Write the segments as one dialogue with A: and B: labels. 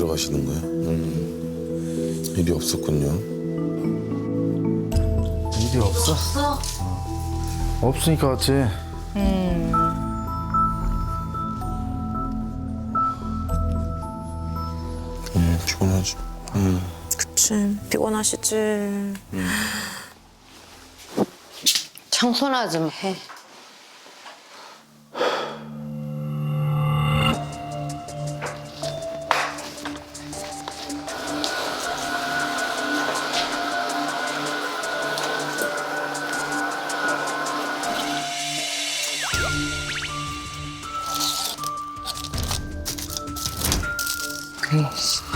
A: 들어가시는 거야? 일이 없었군요.
B: 일이 없어? 없으니까 왔지.
A: 피곤하지.
C: 그치, 피곤하시지.
D: 청소나 좀 해. 에이씨.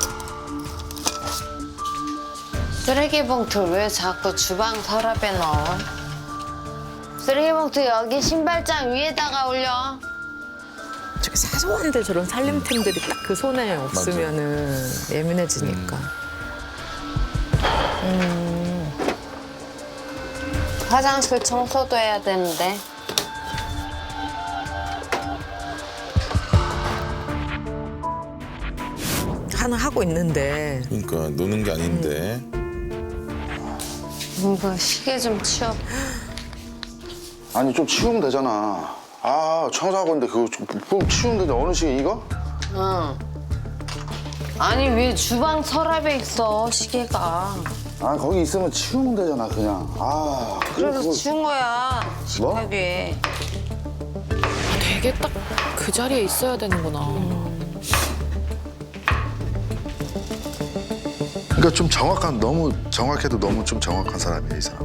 D: 쓰레기 봉투 왜 자꾸 주방 서랍에 넣어? 쓰레기 봉투 여기 신발장 위에다가 올려.
C: 저게 사소한데 저런 살림템들이 딱 그 손에 없으면은 예민해지니까.
D: 화장실 청소도 해야 되는데.
C: 하나 하고 있는데.
A: 그러니까 노는 게 아닌데.
D: 이거 시계 좀 치워.
B: 아니 좀 치우면 되잖아. 아 청소하고 있는데 그거 좀 치우면 되는데 어느 시기 이거?
D: 응. 아니 왜 주방 서랍에 있어 시계가?
B: 아 거기 있으면 치우면 되잖아 그냥. 아
D: 그래서
B: 그거-
D: 치운 거야.
B: 뭐?
D: 식탁 위에.
E: 되게 딱 그 자리에 있어야 되는구나.
B: 그러니까 좀 정확한 너무 정확해도 너무 좀 정확한 사람이야 이 사람.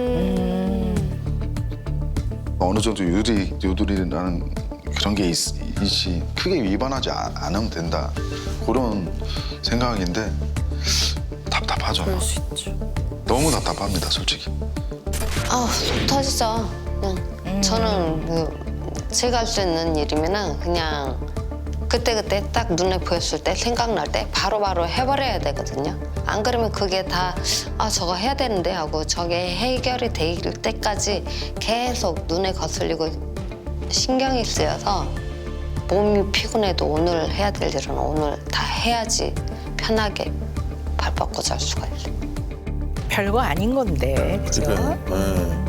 B: 어느 정도 유도리라는 그런 게 있지 크게 위반하지 않으면 된다 그런 생각인데 답답하죠.
E: 그럴 수 있죠.
B: 너무 답답합니다 솔직히.
D: 아, 속 터지죠. 그냥 저는 제가 할 수 있는 일이면은 그냥 그때그때 딱 눈에 보였을 때 생각날 때 바로바로 해버려야 되거든요. 안 그러면 그게 다 저거 해야 되는데 하고 저게 해결이 될 때까지 계속 눈에 거슬리고 신경이 쓰여서 몸이 피곤해도 오늘 해야 될 일은 오늘 다 해야지 편하게 발 뻗고 잘 수가 있어요.
C: 별거 아닌 건데. 그죠?
A: 그러니까.